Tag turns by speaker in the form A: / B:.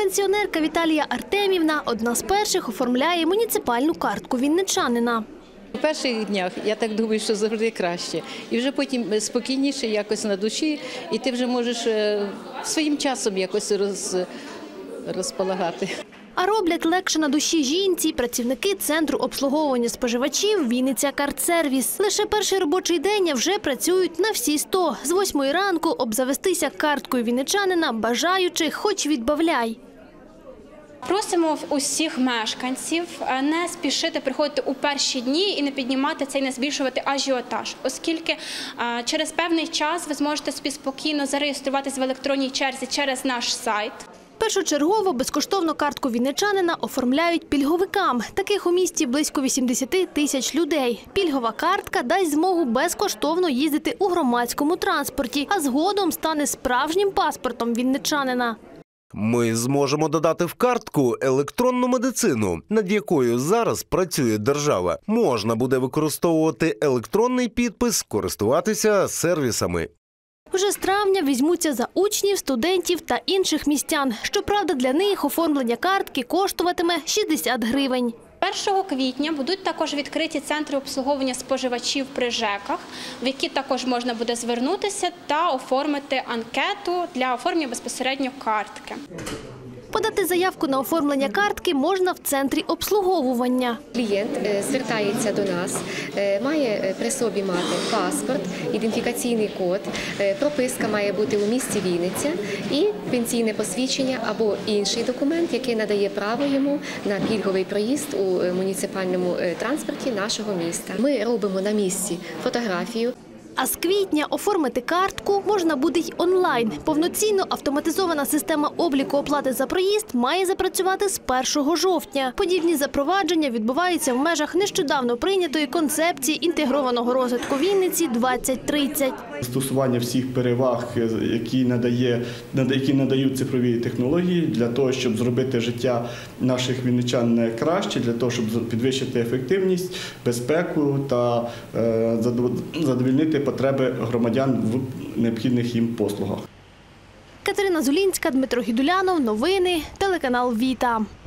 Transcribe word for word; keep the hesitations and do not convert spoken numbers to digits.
A: Пенсіонерка Віталія Артемівна – одна з перших оформляє муніципальну картку вінничанина.
B: У перших днях, я так думаю, що завжди краще. І вже потім спокійніше якось на душі, і ти вже можеш своїм часом якось роз, розполагати.
A: А роблять легше на душі жінці працівники Центру обслуговування споживачів «Вінниця Картсервіс». Лише перший робочий день, а вже працюють на всі сто. З восьмої ранку обзавестися карткою вінничанина бажаючих хоч відбавляй.
C: Просимо усіх мешканців не спішити приходити у перші дні і не піднімати це і не збільшувати ажіотаж, оскільки через певний час ви зможете собі спокійно зареєструватися в електронній черзі через наш сайт.
A: Першочергово безкоштовно картку вінничанина оформляють пільговикам. Таких у місті близько вісімдесят тисяч людей. Пільгова картка дасть змогу безкоштовно їздити у громадському транспорті, а згодом стане справжнім паспортом вінничанина.
D: Ми зможемо додати в картку електронну медицину, над якою зараз працює держава. Можна буде використовувати електронний підпис, користуватися сервісами.
A: Вже з травня візьмуться за учнів, студентів та інших містян. Щоправда, для них оформлення картки коштуватиме шістдесят гривень.
C: першого квітня будуть також відкриті центри обслуговування споживачів при ЖЕКах, в які також можна буде звернутися та оформити анкету для оформлення безпосередньо картки.
A: Подати заявку на оформлення картки можна в центрі обслуговування.
E: Клієнт звертається до нас, має при собі мати паспорт, ідентифікаційний код, прописка має бути у місті Вінниця і пенсійне посвідчення або інший документ, який надає право йому на пільговий проїзд у муніципальному транспорті нашого міста. Ми робимо на місці фотографію.
A: А з квітня оформити картку можна буде й онлайн. Повноцінно автоматизована система обліку оплати за проїзд має запрацювати з першого жовтня. Подібні запровадження відбуваються в межах нещодавно прийнятої концепції інтегрованого розвитку Вінниці двадцять тридцять.
F: Застосування всіх переваг, які, надає, які надають цифрові технології для того, щоб зробити життя наших вінничан краще, для того, щоб підвищити ефективність, безпеку та задовольнити потреби громадян в необхідних їм послугах.
A: Катерина Зулінська, Дмитро Гідулянов. Новини. Телеканал «Віта».